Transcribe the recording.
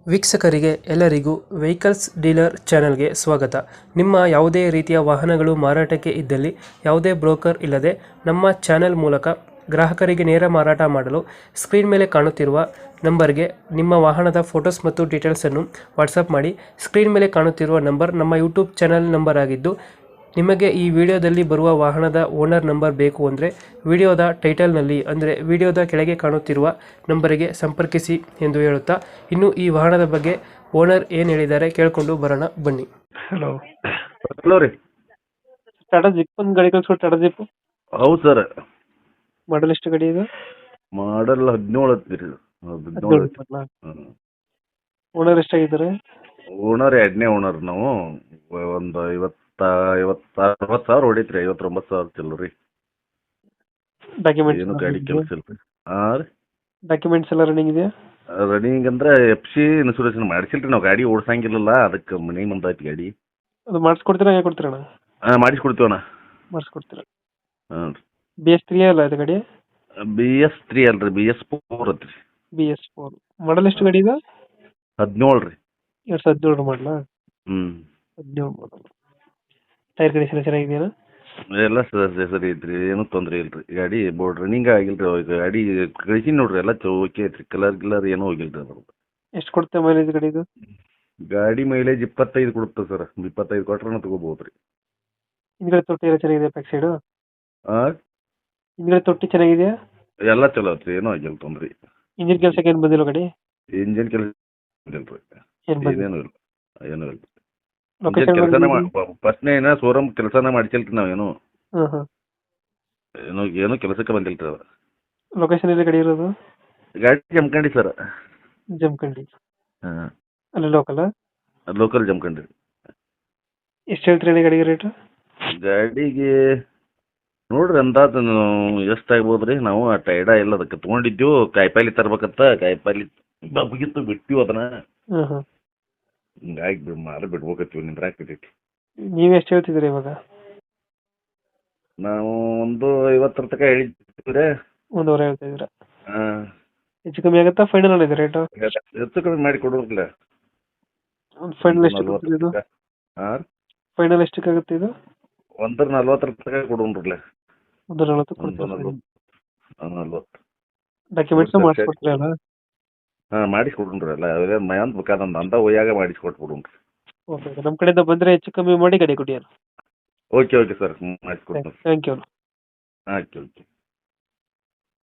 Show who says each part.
Speaker 1: ವೀಕ್ಷಕರಿಗೆ ಎಲ್ಲರಿಗೂ vehicles dealer ಚಾನೆಲ್ಗೆ ಸ್ವಾಗತ. ನಿಮ್ಮ ಯಾವುದೇ ರೀತಿಯ ವಾಹನಗಳು ಮಾರಾಟಕ್ಕೆ ಇದ್ದಲ್ಲಿ ಯಾವುದೇ ಬ್ರೋಕರ್ ಇಲ್ಲದೆ ನಮ್ಮ ಚಾನೆಲ್ ಮೂಲಕ ಗ್ರಾಹಕರಿಗೆ ನೇರ ಮಾರಾಟ ಮಾಡಲು ಸ್ಕ್ರೀನ್ ಮೇಲೆ ಕಾಣುತ್ತಿರುವ ನಂಬರ್ಗೆ ನಿಮ್ಮ ವಾಹನದ ಫೋಟೋಸ್ ಮತ್ತು ಡೀಟೇಲ್ಸನ್ನು ವಾಟ್ಸಪ್ ಮಾಡಿ. ಸ್ಕ್ರೀನ್ ಮೇಲೆ ಕಾಣುತ್ತಿರುವ ನಂಬರ್ ನಮ್ಮ ಯೂಟ್ಯೂಬ್ ಚಾನೆಲ್ ನಂಬರ್ ಆಗಿದ್ದು, ನಿಮಗೆ ಈ ವಿಡಿಯೋದಲ್ಲಿ ಬರುವ ವಾಹನದ ಓನರ್ ನಂಬರ್ ಬೇಕು ಅಂದರೆ ವಿಡಿಯೋದ ಟೈಟಲ್ನಲ್ಲಿ ಅಂದರೆ ವಿಡಿಯೋದ ಕೆಳಗೆ ಕಾಣುತ್ತಿರುವ ನಂಬರಿಗೆ ಸಂಪರ್ಕಿಸಿ ಎಂದು ಹೇಳುತ್ತಾ, ಇನ್ನು ಈ ವಾಹನದ ಬಗ್ಗೆ ಓನರ್ ಏನು ಹೇಳಿದ್ದಾರೆ ಕೇಳಿಕೊಂಡು ಬರೋಣ ಬನ್ನಿ. ಹಲೋ
Speaker 2: ಹಲೋ ರೀ.
Speaker 1: ಟಾಟಾ ಜಿಪ್ ಒಂದು ಗಾಡಿ ಕಳಿಸ್ಕೊಟ್ಟು. ಟಾಟಾ ಜಿಪ್
Speaker 2: ಹೌದು ಸರ್.
Speaker 1: ಮಾಡಲ್ ಎಷ್ಟು ಗಾಡಿ ಇದು?
Speaker 2: ಮಾಡಲ್ 17 ಐತ್ರಿ. 17
Speaker 1: ಓನರ್ ಎಷ್ಟಾಗಿದ್ದಾರೆ?
Speaker 2: ಓನರ್ ಎರಡನೇ ಓನರ್ ನಾವು. ಒಂದು 60,000 ಹೊಡೈತ್ರಿ. 59,000 ಚಿಲ್ಲರಿ.
Speaker 1: ಡಾಕ್ಯುಮೆಂಟ್ಸ್
Speaker 2: ಏನು ಗಾಡಿ ಕೆಲಸ ಇಲ್ರಿ. ಹಾಂ ರೀ.
Speaker 1: ಡಾಕ್ಯುಮೆಂಟ್ಸ್ ಎಲ್ಲ ರನ್ನಿಂಗ್ ಇದೆಯಾ?
Speaker 2: ರನ್ನಿಂಗ್ ಅಂದ್ರೆ FC ಇನ್ಸೂರೆನ್ಸ್ ಮಾಡಿಸಿಲ್ರಿ. ನಾವು ಗಾಡಿ ಓಡ್ಸಂಗಿಲ್ಲಲ್ಲ, ಅದಕ್ಕೆ ಮನೆಗೆ ಬಂದೈತಿ ಗಾಡಿ.
Speaker 1: ಅದು ಮಾಡಿಸ್ಕೊಡ್ತೀರಾ, ಹೇಗೆ ಕೊಡ್ತೀರಣ್ಣ?
Speaker 2: ಹಾಂ ಮಾಡಿಸ್ಕೊಡ್ತೀವಣ್ಣ.
Speaker 1: ಮಾಡಿಸ್ಕೊಡ್ತೀರಾ?
Speaker 2: ಹಾಂ ರೀ.
Speaker 1: BS3 ಅಲ್ಲ ಇದು ಗಾಡಿ?
Speaker 2: BS3 ಅಲ್ರಿ, BS4 ಐತ್ರಿ.
Speaker 1: BS4 ಮಾಡಲ್ ಎಷ್ಟು ಗಾಡಿ ಇದು?
Speaker 2: 17 ರೀ.
Speaker 1: 2017 ಮಾಡಲಾ? 17 ಮಾಡಲ್. ಟೈರ್ ಕಂಡೀಷನ್ ಚೆನ್ನಾಗಿದೆಯಾ?
Speaker 2: ಎಲ್ಲ ಸರಿ ಐತ್ರಿ, ಏನು ತೊಂದರೆ ಇಲ್ರಿ. ಗಾಡಿ ಬೋರ್ಡ್ ರನ್ನಿಂಗ್ ಆಗಿಲ್ರಿ. ಗಾಡಿ ಕಳಿಸಿ ನೋಡ್ರಿ, ಎಲ್ಲ ಓಕೆ ಐತ್ರಿ. ಕಲರ್ ಏನೂ ಹೋಗಿಲ್ರಿ ಅದ್ರದ್ದು.
Speaker 1: ಎಷ್ಟು ಕೊಡುತ್ತೆ ಮೈಲೇಜ್ ಗಾಡಿ ಇದು?
Speaker 2: ಗಾಡಿ ಮೈಲೇಜ್ 25 ಕೊಡುತ್ತೆ ಸರ್. 25 ಕೊಟ್ರೆ ತಗೋಬಹುದು ರೀ.
Speaker 1: ಹಿಂದ್ಗಡೆ ತೊಟ್ಟಿ ಎಲ್ಲ ಚೆನ್ನಾಗಿದೆ? ಬ್ಯಾಕ್ ಸೈಡು
Speaker 2: ಹಾಂ,
Speaker 1: ಹಿಂದ್ಗಡೆ ತೊಟ್ಟಿ ಚೆನ್ನಾಗಿದೆಯಾ?
Speaker 2: ಎಲ್ಲ ಚಲೋ ಐತ್ರಿ, ಏನೂ ಆಗಿಲ್ಲ ತೊಂದ್ರೆ.
Speaker 1: ಇಂಜಿನ್ ಕೆಲಸಕ್ಕೆ ಏನು ಬಂದಿಲ್ಲ ಗಾಡಿ?
Speaker 2: ಇಂಜಿನ್ ಕೆಲಸ ಇಲ್ರಿ,
Speaker 1: ಏನು ಬಂದಿಲ್ಲ?
Speaker 2: ಏನೇನು ಇಲ್ಲ, ಏನೂ ಇಲ್ಲ.
Speaker 1: ಲೊಕೇಶನ್
Speaker 2: ಕೆಲಸನ ಫಸ್ಟ್ನೇ ಏನೋ ಶೋರೂಮ್ ಕೆಲಸನ ಮಾಡಿಸಿಲ್ರಿ ನಾವೇನು.
Speaker 1: ಹಾಂ ಹಾಂ.
Speaker 2: ಏನು ಕೆಲಸಕ್ಕೆ ಬಂದಿಲ್ರಿ ಅದು.
Speaker 1: ಲೊಕೇಶನ್ ಎಲ್ಲಿ ಗಾಡಿ ಇರೋದು?
Speaker 2: ಗಾಡಿ ಜಮಖಂಡಿ ಸರ್.
Speaker 1: ಜಮಖಂಡಿ.
Speaker 2: ಹಾಂ,
Speaker 1: ಅಲ್ಲಿ ಲೋಕಲ್?
Speaker 2: ಲೋಕಲ್ ಜಮಖಂಡಿ.
Speaker 1: ಎಷ್ಟು ಹೇಳ್ತೀರಿ ಗಾಡಿಗೆ ರೇಟು?
Speaker 2: ಗಾಡಿಗೆ ನೋಡ್ರಿ ಅಂದಾಜು ಎಷ್ಟಾಗ್ಬೋದು ರೀ. ನಾವು ಆ ಟೈಡ ಎಲ್ಲ ಅದಕ್ಕೆ ತೊಗೊಂಡಿದ್ದೀವಿ. ಕಾಯಿಪಲ್ಲೆ ತರ್ಬೇಕಂತ, ಕಾಯಿಪಲ್ಲೆ ಬಗ್ಗಿತ್ತು, ಬಿಟ್ಟಿವಿ ಅದನ್ನ.
Speaker 1: ಹಾಂ ಹಾಂ.
Speaker 2: ಹಿಂಗಾಗಿ ಮಾರ ಬಿಡ್ಬೇಕತ್ತೀವಿ. ನಿಂದ್ರಾಕತೈತಿ.
Speaker 1: ನೀವು ಎಷ್ಟು ಹೇಳ್ತಿದ್ದೀರಿ ಇವಾಗ?
Speaker 2: ನಾವು ಒಂದು 50 ತನಕ ಹೇಳಿದ್ದೀವಿ.
Speaker 1: 1.5 ಹೇಳ್ತಾ ಇದ್ದೀರಾ?
Speaker 2: ಹಾಂ,
Speaker 1: ಹೆಚ್ಚು ಕಮ್ಮಿ ಆಗುತ್ತಾ? ಫೈನಲ್ ಇದೆ ರೇಟು?
Speaker 2: ಹೆಚ್ಚು ಕಮ್ಮಿ ಮಾಡಿ ಕೊಡೋದಿಲ್ಲ.
Speaker 1: ಒಂದು ಫೈನಲ್ ಎಷ್ಟು ಇದು?
Speaker 2: ಹಾಂ,
Speaker 1: ಫೈನಲ್ ಎಷ್ಟಕ್ಕಾಗುತ್ತೆ ಇದು?
Speaker 2: 140 ತನಕ ಕೊಡೋಣ್ರಲ್ಲ.
Speaker 1: 140 ಕೊಡ್ತೀರಾ?
Speaker 2: 40
Speaker 1: ಡಾಕ್ಯುಮೆಂಟ್ಸ್ ಮಾಡಿಸ್ಕೊಡ್ತೀರಾ ಅಲ್ಲ?
Speaker 2: ಹಾಂ, ಮಾಡಿಸ್ಕೊಡ್ರಿ ಎಲ್ಲ. ಅದೇ ಮಯಾಂತ ಬೇಕಾದಂತ ಅಂತ ಒಯ್ಯಾಗ ಮಾಡಿಸ್ಕೊಟ್ಬಿಡ್ರಿ.
Speaker 1: ಓಕೆ, ನಮ್ಮ ಕಡೆಯಿಂದ ಬಂದರೆ ಹೆಚ್ಚು ಕಮ್ಮಿ ಮಾಡಿ ಗಾಡಿ ಕೊಡಿ.
Speaker 2: ಓಕೆ ಸರ್, ಮಾಡಿಸ್ಕೊಡ್ತೀನಿ.
Speaker 1: Thank you.
Speaker 2: ಆಯ್ತು, ಓಕೆ.